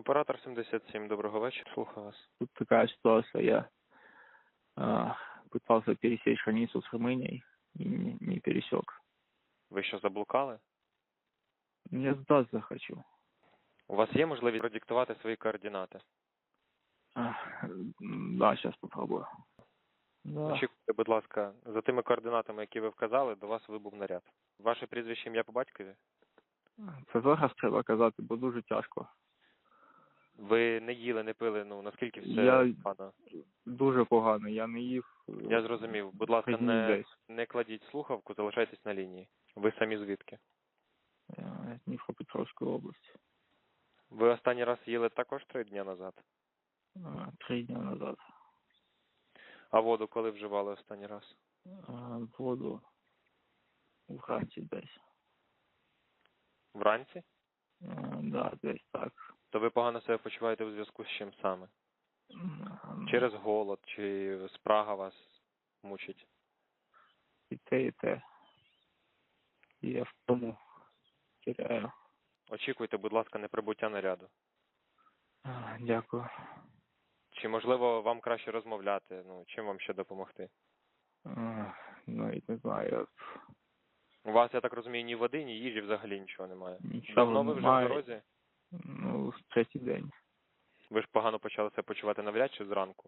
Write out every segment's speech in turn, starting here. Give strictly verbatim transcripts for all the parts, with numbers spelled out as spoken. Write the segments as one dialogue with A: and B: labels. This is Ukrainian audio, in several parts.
A: Оператор сімдесят сім, доброго вечора, слухаю вас.
B: Тут такая ситуация, я э, пытался пересечь границу с Румынией и не, не пересек.
A: Ви що, заблукали?
B: Я сдаться хочу.
A: У вас є можливість продиктувати свої координати?
B: А, да, сейчас попробую. Да.
A: Очікуйте, будь ласка, за тими координатами, які ви вказали, до вас вибув наряд. Ваше прізвище, ім'я по батькові?
B: Це зараз треба казати, бо дуже тяжко.
A: Ви не їли, не пили, ну, наскільки все
B: Я-
A: погано?
B: Дуже погано, я не їв.
A: Я зрозумів. Будь ласка,
B: три дні
A: не,
B: десь.
A: не кладіть слухавку, залишайтесь на лінії. Ви самі звідки?
B: Я з Дніпропетровської області.
A: Ви останній раз їли також три дні назад?
B: А, Три дні назад.
A: А воду коли вживали останній раз?
B: А, Воду вранці десь.
A: Вранці?
B: А, Да, десь так.
A: То ви погано себе почуваєте у зв'язку з чим саме?
B: М,
A: Через голод чи спрага вас мучить?
B: І те, і те. І я в тому теряю.
A: Очікуйте, будь ласка, неприбуття наряду.
B: А, Дякую.
A: Чи, можливо, вам краще розмовляти? Ну, чим вам ще допомогти?
B: А, Навіть не знаю, я
A: У вас, я так розумію, ні води, ні їжі, взагалі нічого немає.
B: нічого
A: Давно ви вже в
B: немає.
A: дорозі?
B: Ну, третій день.
A: Ви ж погано почали себе почувати навряд чи зранку?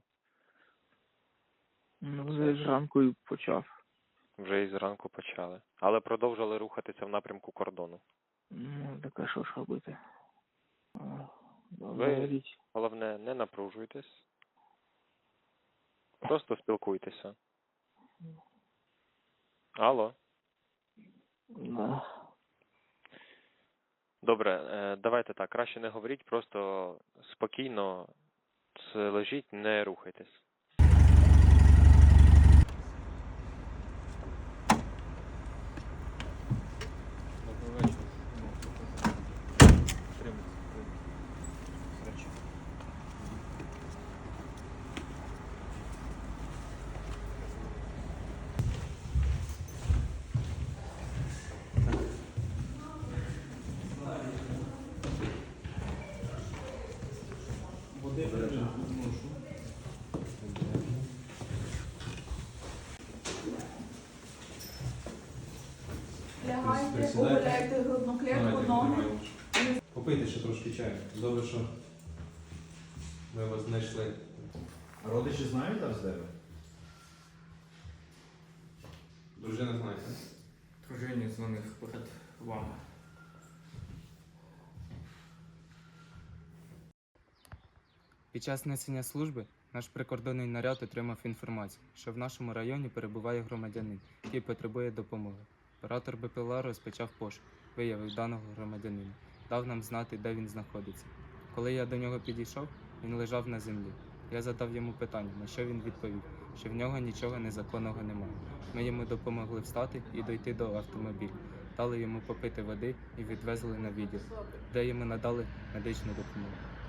B: Ну, вже зранку і почав.
A: Вже і зранку почали. Але продовжили рухатися в напрямку кордону.
B: Ну, так а що ж робити? А,
A: Ви-
B: говоріть.
A: Головне, не напружуйтесь. Просто спілкуйтеся. Алло.
B: Да.
A: Добре, е, давайте так, краще не говоріть, просто спокійно с- лежіть, не рухайтесь.
C: Добрий вечір. Тримайте. Речі. Води ношу.
D: Лягайте,
C: Присідайте.
D: оголяйте грудну клітку, ноги.
C: Попийте ще трошки чаю. Добре, що ми вас знайшли.
E: А родичі знають зараз де ви?
C: Дружина знає.
F: Дружині дзвонив перед вами. Під час несення служби наш прикордонний наряд отримав інформацію, що в нашому районі перебуває громадянин, який потребує допомоги. Оператор БПЛА розпочав пошук, виявив даного громадянина, дав нам знати, де він знаходиться. Коли я до нього підійшов, він лежав на землі. Я задав йому питання, на що він відповів, що в нього нічого незаконного немає. Ми йому допомогли встати і дойти до автомобіля, дали йому попити води і відвезли на відділ, де йому надали медичну допомогу.